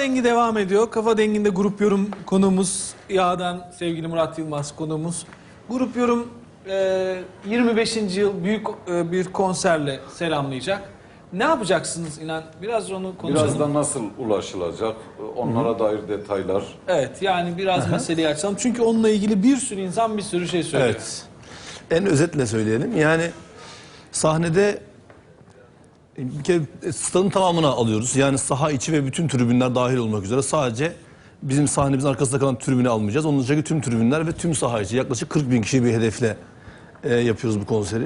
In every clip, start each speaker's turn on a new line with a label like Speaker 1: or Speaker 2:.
Speaker 1: Dengi devam ediyor. Kafa Dengi'nde grup yorum konuğumuz Yağ'dan sevgili Murat Yılmaz konuğumuz. Grup yorum 25. yıl büyük bir konserle selamlayacak. Ne yapacaksınız İnan? Biraz onu konuşalım.
Speaker 2: Biraz da nasıl ulaşılacak? Onlara dair detaylar.
Speaker 1: Evet, yani biraz meseleyi açalım. Çünkü onunla ilgili bir sürü insan bir sürü şey söylüyor.
Speaker 3: Evet. En özetle söyleyelim. Yani sahnede bir kere stadın tamamını alıyoruz. Yani saha içi ve bütün tribünler dahil olmak üzere sadece bizim sahnemizin arkasında kalan tribünü almayacağız. Onun dışındaki tüm tribünler ve tüm saha içi yaklaşık 40 bin kişi bir hedefle yapıyoruz bu konseri.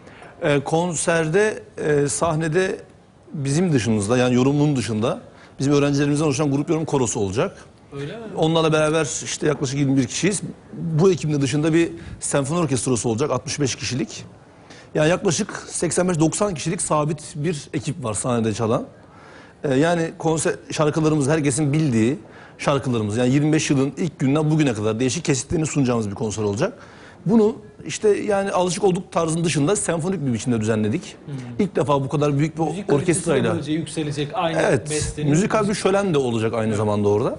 Speaker 3: Konserde sahnede bizim dışımızda yani yorumun dışında bizim öğrencilerimizden oluşan grup yorum korosu olacak.
Speaker 1: Öyle mi?
Speaker 3: Onlarla beraber işte yaklaşık 21 kişiyiz. Bu ekibin dışında bir senfoni orkestrası olacak 65 kişilik. Yani yaklaşık 85-90 kişilik sabit bir ekip var sahnede çalan. Yani konser şarkılarımız herkesin bildiği şarkılarımız. Yani 25 yılın ilk günden bugüne kadar değişik kesitlerini sunacağımız bir konser olacak. Bunu işte yani alışık olduk tarzın dışında senfonik bir biçimde düzenledik. İlk defa bu kadar büyük bir
Speaker 1: Müzik
Speaker 3: orkestrayla.
Speaker 1: kalitesi de yükselecek aynı
Speaker 3: Evet,
Speaker 1: bestenin.
Speaker 3: müzikal bir şölen de olacak aynı zamanda orada.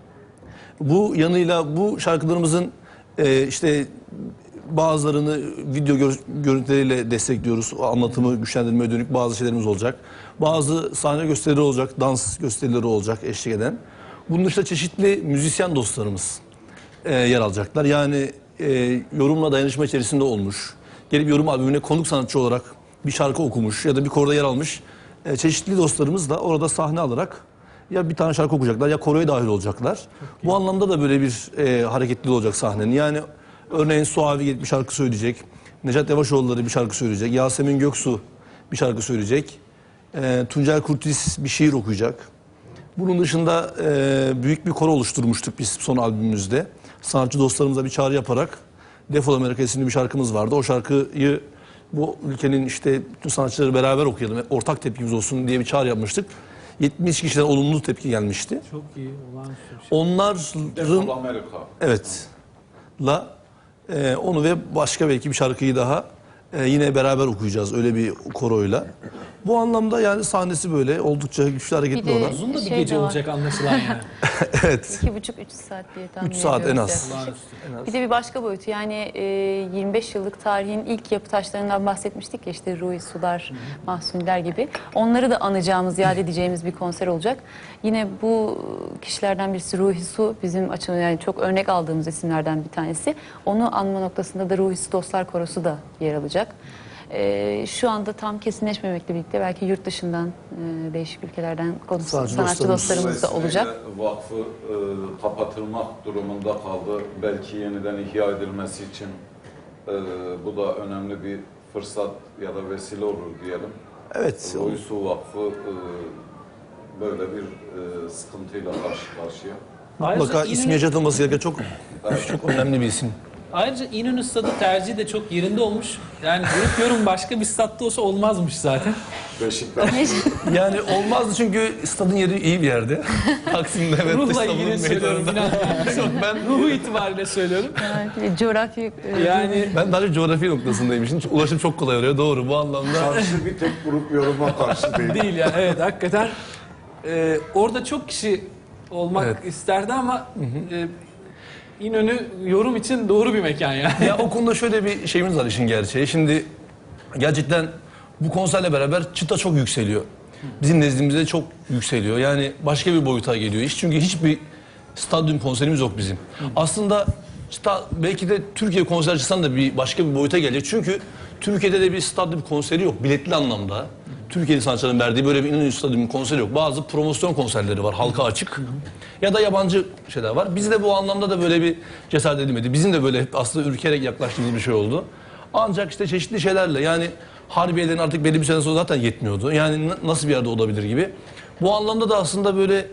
Speaker 3: Bu yanıyla bu şarkılarımızın işte bazılarını video görüntüleriyle destekliyoruz. O anlatımı güçlendirmeye dönük bazı şeylerimiz olacak. Bazı sahne gösterileri olacak, dans gösterileri olacak eşlik eden. Bunun dışında çeşitli müzisyen dostlarımız yer alacaklar. Yani yorumla dayanışma içerisinde olmuş, gelip yorum albümüne konuk sanatçı olarak bir şarkı okumuş ya da bir koroda yer almış çeşitli dostlarımız da orada sahne alarak ya bir tane şarkı okuyacaklar ya koroya dahil olacaklar. Bu anlamda da böyle bir hareketli olacak sahnenin. Yani örneğin Suavi gelip bir şarkı söyleyecek. Necat Yavaşoğulları bir şarkı söyleyecek. Yasemin Göksu bir şarkı söyleyecek. Tuncel Kurtiz bir şiir okuyacak. Bunun dışında büyük bir koro oluşturmuştuk biz son albümümüzde. Sanatçı dostlarımıza bir çağrı yaparak Defol Amerika isimli bir şarkımız vardı. O şarkıyı bu ülkenin işte bütün sanatçıları beraber okuyalım, ortak tepkimiz olsun diye bir çağrı yapmıştık. 70 kişiden olumlu tepki gelmişti.
Speaker 1: Çok iyi, olağanüstü bir şey.
Speaker 3: Onların
Speaker 2: Defol Amerika.
Speaker 3: evet onu ve başka belki bir şarkıyı daha yine beraber okuyacağız öyle bir koroyla. Bu anlamda yani sahnesi böyle oldukça güçlü hareketli
Speaker 4: Bir de-
Speaker 3: olan.
Speaker 1: Uzun da bir
Speaker 4: Şey
Speaker 1: gece
Speaker 4: de var.
Speaker 1: olacak anlaşılan yani.
Speaker 3: Evet.
Speaker 4: 2,5-3 saat diye tahmin
Speaker 3: 3 saat en
Speaker 4: ediyoruz
Speaker 3: az.
Speaker 4: yaklaşık.
Speaker 1: Olağanüstü.
Speaker 4: Bir de bir başka boyutu yani 25 yıllık tarihin ilk yapı taşlarından bahsetmiştik ya işte Ruhi Sular, Mahsuniler gibi. Onları da anacağımız, yad edeceğimiz bir konser olacak. Yine bu kişilerden birisi Ruhi Su bizim açımızdan yani çok örnek aldığımız isimlerden bir tanesi. Onu anma noktasında da Ruhi Su Dostlar Korosu da yer alacak. Şu anda tam kesinleşmemekle birlikte belki yurt dışından değişik ülkelerden sanatçı dostlarımız da olacak.
Speaker 2: Vakfı kapatılmak durumunda kaldı. Belki yeniden ihya edilmesi için bu da önemli bir fırsat ya da vesile olur diyelim.
Speaker 3: Evet.
Speaker 2: Ruhi Vakfı böyle bir sıkıntıyla karşı karşıya.
Speaker 3: Mutlaka ismi yaşatılması gereken çok önemli bir isim.
Speaker 1: Ayrıca İnönü Stadı tercihi de çok yerinde olmuş. Yani grup yorum başka bir statta olsa olmazmış zaten.
Speaker 2: Beşiktaş.
Speaker 3: Yani olmazdı çünkü stadın yeri iyi bir yerde. Taksim'de ve
Speaker 1: Ruhla
Speaker 3: İstanbul'un
Speaker 1: ilgili söylüyorum.
Speaker 3: meydanında. Yok, ben
Speaker 1: Ruhu itibariyle söylüyorum.
Speaker 4: Yani coğrafi
Speaker 1: Yani
Speaker 3: ben daha çok coğrafi noktasındayım. Şimdi ulaşım çok kolay oluyor. Doğru bu anlamda.
Speaker 2: Karşı bir tek grup yoruma karşı değil.
Speaker 1: değil ya. Evet hakikaten. Orada çok kişi olmak
Speaker 3: Evet.
Speaker 1: isterdi ama İnönü yorum için doğru bir mekan yani.
Speaker 3: Ya o konuda şöyle bir şeyimiz var işin gerçeği. Şimdi gerçekten bu konserle beraber çıta çok yükseliyor. Bizim nezdimizde çok yükseliyor. Yani başka bir boyuta geliyor iş. Çünkü hiçbir stadyum konserimiz yok bizim. Aslında çıta belki de Türkiye konsercisinden de bir başka bir boyuta gelecek. Çünkü Türkiye'de de bir stadyum konseri yok biletli anlamda. Türkiye'li sanatçıların verdiği böyle bir İnönü Stadyum konseri yok. Bazı promosyon konserleri var halka açık. Ya da yabancı şeyler var. Biz de bu anlamda da böyle bir cesaret edilmedi. Bizim de böyle hep aslında ürkerek yaklaştığımız bir şey oldu. Ancak işte çeşitli şeylerle yani Harbiye'lerin artık belli bir sene sonra zaten yetmiyordu. Yani nasıl bir yerde olabilir gibi. Bu anlamda da aslında böyle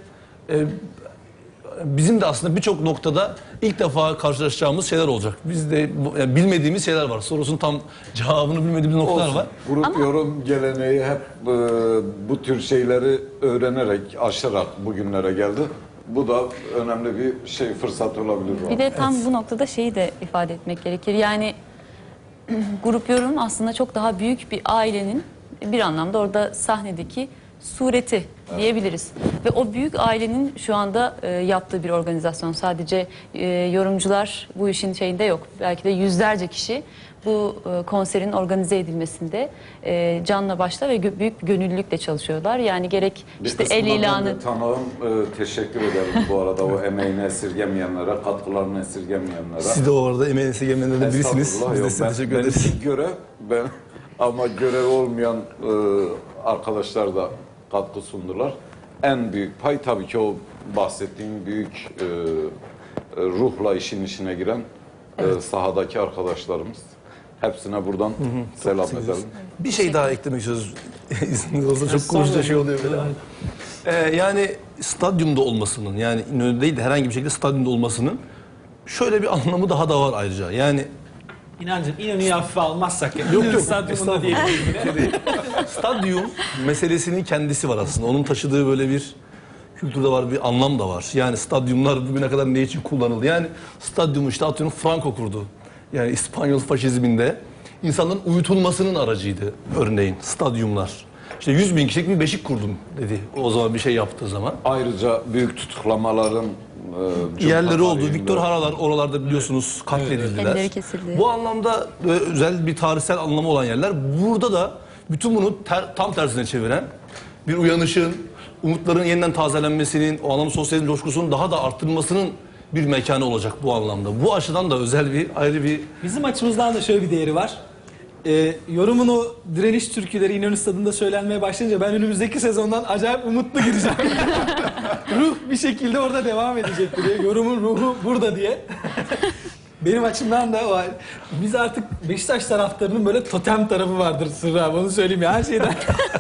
Speaker 3: bizim de aslında birçok noktada ilk defa karşılaşacağımız şeyler olacak. Biz de yani bilmediğimiz şeyler var. Sorusunun tam cevabını bilmediğimiz noktalar
Speaker 2: Olsun.
Speaker 3: var.
Speaker 2: Grup yorum geleneği hep bu tür şeyleri öğrenerek, aşarak bugünlere geldi. Bu da önemli bir şey, fırsat olabilir.
Speaker 4: Bir de tam bu noktada şeyi de ifade etmek gerekir. Yani grup yorum aslında çok daha büyük bir ailenin bir anlamda orada sahnedeki sureti diyebiliriz. Ve o büyük ailenin şu anda yaptığı bir organizasyon. Sadece yorumcular bu işin şeyinde yok. Belki de yüzlerce kişi bu konserin organize edilmesinde canla başla ve büyük bir gönüllülükle çalışıyorlar. Yani gerek işte el ilanı...
Speaker 2: Tanığım, teşekkür ederim bu arada o emeğini esirgemeyenlere, katkılarını esirgemeyenlere.
Speaker 3: Siz de o arada emeğini esirgemeyenlerden birisiniz.
Speaker 2: Estağfurullah,
Speaker 3: Biz de
Speaker 2: yok,
Speaker 3: size teşekkür
Speaker 2: benim
Speaker 3: ederiz.
Speaker 2: ilk görev ben ama görev olmayan arkadaşlar da katkı sundular. En büyük pay tabii ki o bahsettiğim büyük ruhla işin içine giren sahadaki arkadaşlarımız. Hepsine buradan selam edelim.
Speaker 3: Bir şey daha eklemek istiyoruz. İzniniz olsa çok konuşunca şey oluyor böyle. Yani stadyumda olmasının, yani İnönü'de değil de herhangi bir şekilde stadyumda olmasının şöyle bir anlamı daha da var ayrıca. Yani
Speaker 1: İnancım İnönü'yü hafife almazsak ya.
Speaker 3: Yok,
Speaker 1: İnönü
Speaker 3: yok,
Speaker 1: stadyumunda
Speaker 3: estağfurullah.
Speaker 1: diyelim.
Speaker 3: stadyum meselesinin kendisi var aslında. Onun taşıdığı böyle bir kültürde var, bir anlam da var. Yani stadyumlar bugüne kadar ne için kullanıldı? Yani stadyumu işte atıyorum Franco kurdu. Yani İspanyol faşizminde insanların uyutulmasının aracıydı örneğin stadyumlar. İşte 100.000 kişilik bir beşik kurdum dedi o zaman bir şey yaptığı zaman.
Speaker 2: Ayrıca büyük tutuklamaların
Speaker 3: Yerleri oldu.
Speaker 2: tarihinde-
Speaker 3: Viktor Haralar oralarda biliyorsunuz katledildiler.
Speaker 4: Elleri kesildi.
Speaker 3: Bu anlamda özel bir tarihsel anlamı olan yerler. Burada da bütün bunu tam tersine çeviren bir uyanışın, umutların yeniden tazelenmesinin, o anlamda sosyalizm coşkusunun daha da arttırılmasının bir mekanı olacak bu anlamda. Bu açıdan da özel bir ayrı bir
Speaker 1: Bizim açımızdan da şöyle bir değeri var. Yorumun o direniş türküleri İnönü Stadı'nda söylenmeye başlayınca ben önümüzdeki sezondan acayip umutlu gireceğim. Ruh bir şekilde orada devam edecek diye. Yorumun ruhu burada diye. Benim açımdan da var. Biz artık Beşiktaş taraftarının böyle totem tarafı vardır Sırrı abi, onu söyleyeyim ya her şeyden.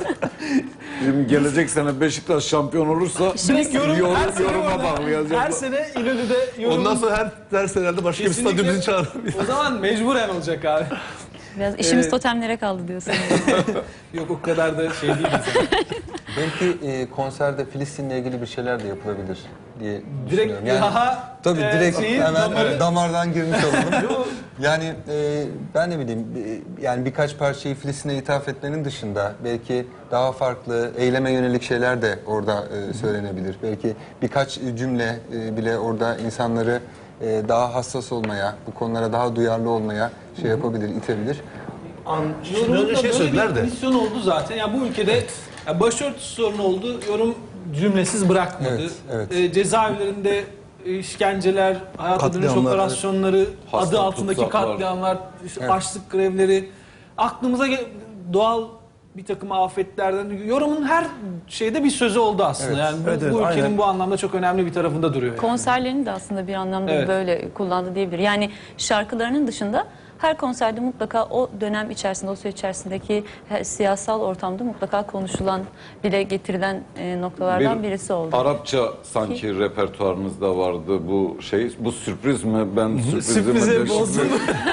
Speaker 2: Şimdi gelecek sene Beşiktaş şampiyon olursa
Speaker 1: Direkt her sene
Speaker 2: yoruma
Speaker 1: orada.
Speaker 2: bağlayacağız.
Speaker 1: Her sene İnönü'de yorum.
Speaker 3: ondan sonra her ders herhalde başka bir stadyum bizi çağırır.
Speaker 1: O zaman mecburen olacak abi.
Speaker 4: Biraz işimiz totemlere kaldı diyorsun.
Speaker 1: Yok o kadar da şey değil bizim.
Speaker 5: Belki konserde Filistin'le ilgili bir şeyler de yapılabilir diye
Speaker 1: Direkt
Speaker 5: düşünüyorum. Yani,
Speaker 1: daha
Speaker 5: tabii direkt
Speaker 1: şeyi,
Speaker 5: hemen
Speaker 1: damarı-
Speaker 5: damardan girmiş olalım. Yani ben ne bileyim yani birkaç parçayı Filistin'e ithaf etmenin dışında belki daha farklı eyleme yönelik şeyler de orada söylenebilir. Belki birkaç cümle bile orada insanları daha hassas olmaya, bu konulara daha duyarlı olmaya şey yapabilir, itebilir.
Speaker 3: Şimdi
Speaker 1: Yorumda
Speaker 3: önce şey
Speaker 1: böyle
Speaker 3: söylediler
Speaker 1: bir
Speaker 3: de.
Speaker 1: misyon oldu zaten. Ya bu ülkede ya başörtüsü sorunu oldu. Yorum cümlesiz bırakmadı.
Speaker 5: Evet, evet.
Speaker 1: Cezaevlerinde işkenceler, hayata dönüş
Speaker 3: Katliamlar,
Speaker 1: operasyonları,
Speaker 2: Hasta
Speaker 1: adı altındaki
Speaker 2: tutsaklar.
Speaker 1: katliamlar, işte açlık grevleri, aklımıza doğal bir takım afetlerden yorumun her şeyde bir sözü oldu aslında.
Speaker 5: Evet.
Speaker 1: Yani bu,
Speaker 3: Evet, evet,
Speaker 1: bu ülkenin
Speaker 3: aynen.
Speaker 1: bu anlamda çok önemli bir tarafında duruyor. Yani.
Speaker 4: Konserlerini de aslında bir anlamda
Speaker 1: Evet.
Speaker 4: böyle kullandı diyebilir. Yani şarkılarının dışında her konserde mutlaka o dönem içerisinde, o süreç içerisindeki siyasal ortamda mutlaka konuşulan, dile getirilen noktalardan birisi oldu.
Speaker 2: Arapça sanki repertuarınızda vardı bu şey. Bu sürpriz mi? Ben
Speaker 1: Sürprize
Speaker 2: sürprizimi
Speaker 1: bozdum.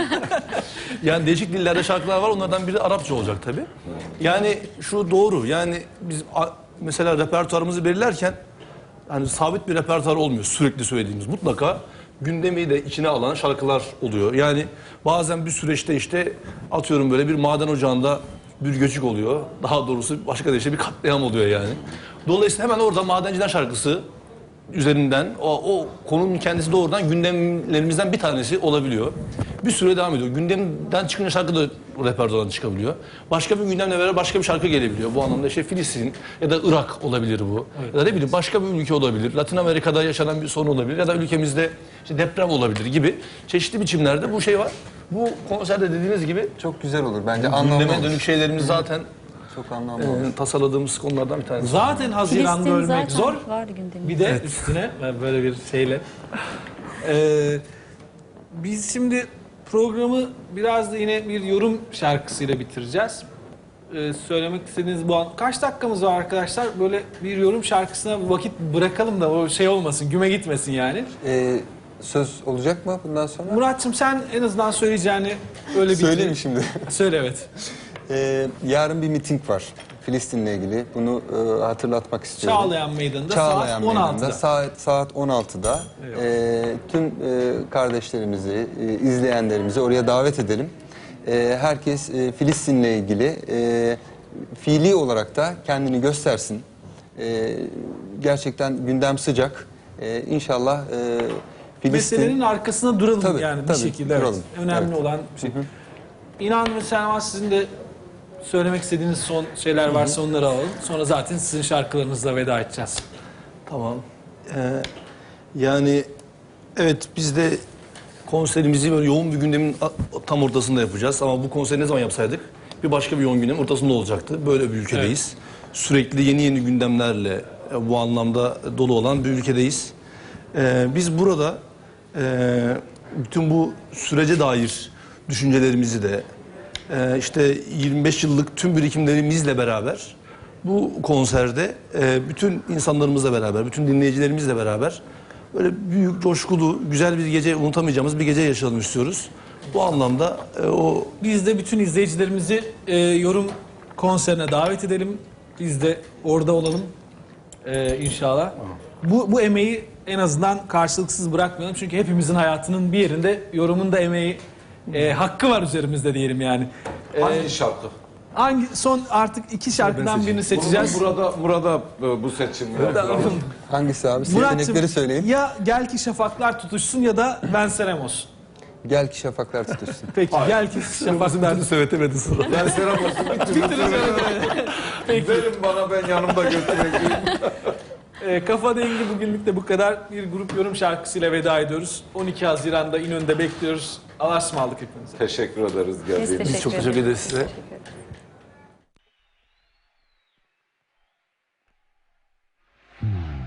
Speaker 3: Yani değişik dillerde şarkılar var. Onlardan biri Arapça olacak tabii. Yani şu doğru. Yani biz mesela repertuarımızı belirlerken hani sabit bir repertuar olmuyor sürekli söylediğimiz. Mutlaka gündemi de içine alan şarkılar oluyor. Yani bazen bir süreçte işte atıyorum böyle bir maden ocağında bir göçük oluyor. Daha doğrusu başka deyişle bir katliam oluyor yani. Dolayısıyla hemen orada Madenciler şarkısı üzerinden o konunun kendisi doğrudan gündemlerimizden bir tanesi olabiliyor. Bir süre devam ediyor. Gündemden çıkınca şarkı da repertuardan çıkabiliyor. Başka bir gündemle beraber başka bir şarkı gelebiliyor. Bu anlamda işte Filistin ya da Irak olabilir bu. Ya da ne bileyim başka bir ülke olabilir. Latin Amerika'da yaşanan bir sorun olabilir. Ya da ülkemizde işte deprem olabilir gibi çeşitli biçimlerde bu şey var. Bu konserde dediğiniz gibi
Speaker 5: Çok güzel olur bence, anlamlı
Speaker 3: gündeme
Speaker 5: olur.
Speaker 3: dönük şeylerimiz zaten
Speaker 5: Çok anlamlı olur.
Speaker 3: tasarladığımız konulardan bir tanesi.
Speaker 1: Zaten Haziran'da
Speaker 4: Filistin
Speaker 1: ölmek
Speaker 4: zaten
Speaker 1: zor.
Speaker 4: vardı gündemimizde.
Speaker 1: Bir de üstüne böyle bir şeyle. Biz şimdi programı biraz da yine bir yorum şarkısıyla bitireceğiz. Söylemek istediğiniz bu an. Kaç dakikamız var arkadaşlar? Böyle bir yorum şarkısına vakit bırakalım da o şey olmasın, güme gitmesin yani.
Speaker 5: Söz olacak mı bundan sonra?
Speaker 1: Muratçım sen en azından söyleyeceğini öyle bitir.
Speaker 5: Söyleyeyim mi şimdi?
Speaker 1: Söyle evet.
Speaker 5: Yarın bir miting var Filistin'le ilgili. Bunu hatırlatmak istiyorum.
Speaker 1: Çağlayan Meydanı'nda
Speaker 5: Çağlayan
Speaker 1: saat
Speaker 5: Meydanı'nda
Speaker 1: 16'da.
Speaker 5: saat 16'da tüm kardeşlerimizi, izleyenlerimizi oraya davet edelim. Herkes Filistin'le ilgili fiili olarak da kendini göstersin. Gerçekten gündem sıcak. İnşallah Filistin...
Speaker 1: Meselenin arkasına duralım
Speaker 5: Tabii,
Speaker 1: yani bir
Speaker 5: tabii,
Speaker 1: şekilde. Evet.
Speaker 5: duralım.
Speaker 1: Önemli
Speaker 5: Evet.
Speaker 1: olan şey. İnan ve Selma, sizin de söylemek istediğiniz son şeyler varsa onları alalım. Sonra zaten sizin şarkılarınızla veda edeceğiz.
Speaker 3: Tamam. Yani evet, biz de konserimizi böyle yoğun bir gündemin tam ortasında yapacağız. Ama bu konseri ne zaman yapsaydık bir başka bir yoğun gündemin ortasında olacaktı. Böyle bir ülkedeyiz. Sürekli yeni gündemlerle bu anlamda dolu olan bir ülkedeyiz. Biz burada bütün bu sürece dair düşüncelerimizi de işte 25 yıllık tüm birikimlerimizle beraber bu konserde bütün insanlarımızla beraber, bütün dinleyicilerimizle beraber böyle büyük, coşkulu, güzel bir gece, unutamayacağımız bir gece yaşayalım istiyoruz. Bu anlamda o
Speaker 1: Biz de bütün izleyicilerimizi yorum konserine davet edelim. Biz de orada olalım inşallah. Bu emeği en azından karşılıksız bırakmayalım. Çünkü hepimizin hayatının bir yerinde yorumun da emeği, hakkı var üzerimizde diyelim yani.
Speaker 2: Hangi şarkı?
Speaker 1: Son artık iki şarkıdan birini seçeceğiz.
Speaker 2: Burada bu seçim.
Speaker 5: Hangisi abi?
Speaker 1: Murat'cığım,
Speaker 5: Seçenekleri söyleyin.
Speaker 1: ya Gel Ki Şafaklar Tutuşsun ya da Ben Serem Olsun.
Speaker 5: Gel ki şafaklar tutuşsun.
Speaker 1: Peki Gel Ki Şafaklar
Speaker 3: söyletemedi sonra.
Speaker 2: Ben Serap olsun. Verin bana, ben yanımda götüreyim.
Speaker 1: Kafa Dengi bugünlük de bu kadar. Bir grup yorum şarkısıyla veda ediyoruz. 12 Haziran'da İnönü'nde bekliyoruz. Allah'a ısmarladık hepinize.
Speaker 2: Teşekkür ederiz
Speaker 4: Biz
Speaker 2: geldiğiniz için.
Speaker 4: teşekkür
Speaker 3: Çok teşekkür ederiz size.
Speaker 4: Teşekkür ederiz.